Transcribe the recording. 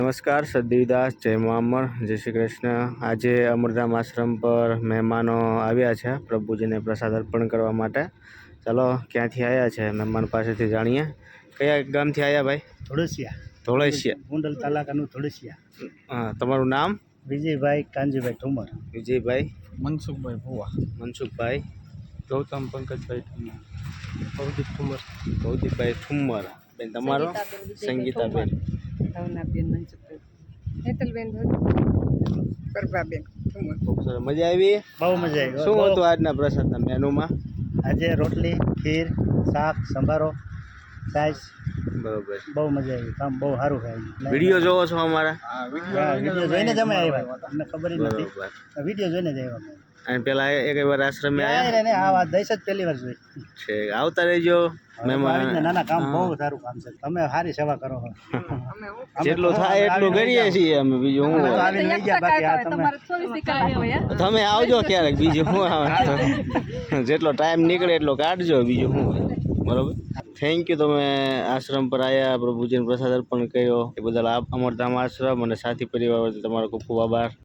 નમસ્કાર, સદીદાસ, જય મહામર, જય શ્રી કૃષ્ણ। આજે અમરધામ આશ્રમ પર મહેમાનો આવ્યા છે પ્રભુજીને પ્રસાદ અર્પણ કરવા માટે। ચાલો ક્યાંથી આવ્યા છે મહેમાન પાસેથી જાણીએ। કયા ગામથી આવ્યા ભાઈ? ધોળસિયા। ધોળસિયા, ગોંડલ તાલુકાનું ધોળસિયા। હા, તમારું નામ? વિજયભાઈ કાનજીભાઈ ઠુમર। વિજયભાઈ, મનસુખભાઈ ભુવા। મનસુખભાઈ, ગૌતમ પંકજભાઈ ઠુમર। ભવદીપ ઠુમર। ભવદીપભાઈ ઠુમ્મર। બેન તમારો? સંગીતાબેન, ભાવનાબેન, મનસુખભાઈ, હેતલબેન, પ્રભાબેન ઠુમર। ખૂબ સરસ, મજા આવી? બહુ મજા આવી। શું હતું આજના પ્રસાદના મેનુમાં? આજે રોટલી, ખીર, શાક, સંભારો, છાશ। બરોબર। બહુ મજા આવી। કામ બહુ સારું થાય। વિડીયો જોવો છો અમારા? વિડીયો જોઈને જ અમે આવ્યા। અમને ખબર જ નથી, બરોબર। વિડીયો જોઈને જ આવ્યા। અને પેલા એક વાર આશ્રમે આવ્યા ને આ વાત દઈશ જ પહેલી વાર જોઈ છે? આવતા રહેજો મહેમાન। નાના કામ બહુ સારું કામ છે। તમે સારી સેવા કરો છો। જેટલું થાય એટલું કરીએ છીએ અમે, બીજું હું હોય? આવીને લઈ ગયા, બાકી આ તમે તમે આવજો ક્યારેક, બીજું શું આવે? જેટલો ટાઈમ નીકળે એટલો કાઢજો, બીજું શું હોય? બરોબર, થેન્ક યુ। તમે આશ્રમ પર આવ્યા, પ્રભુજીને પ્રસાદ અર્પણ કર્યો એ બદલ અમરધામ આશ્રમ અને સાથી પરિવાર વતી તમારો ખૂબ ખૂબ આભાર।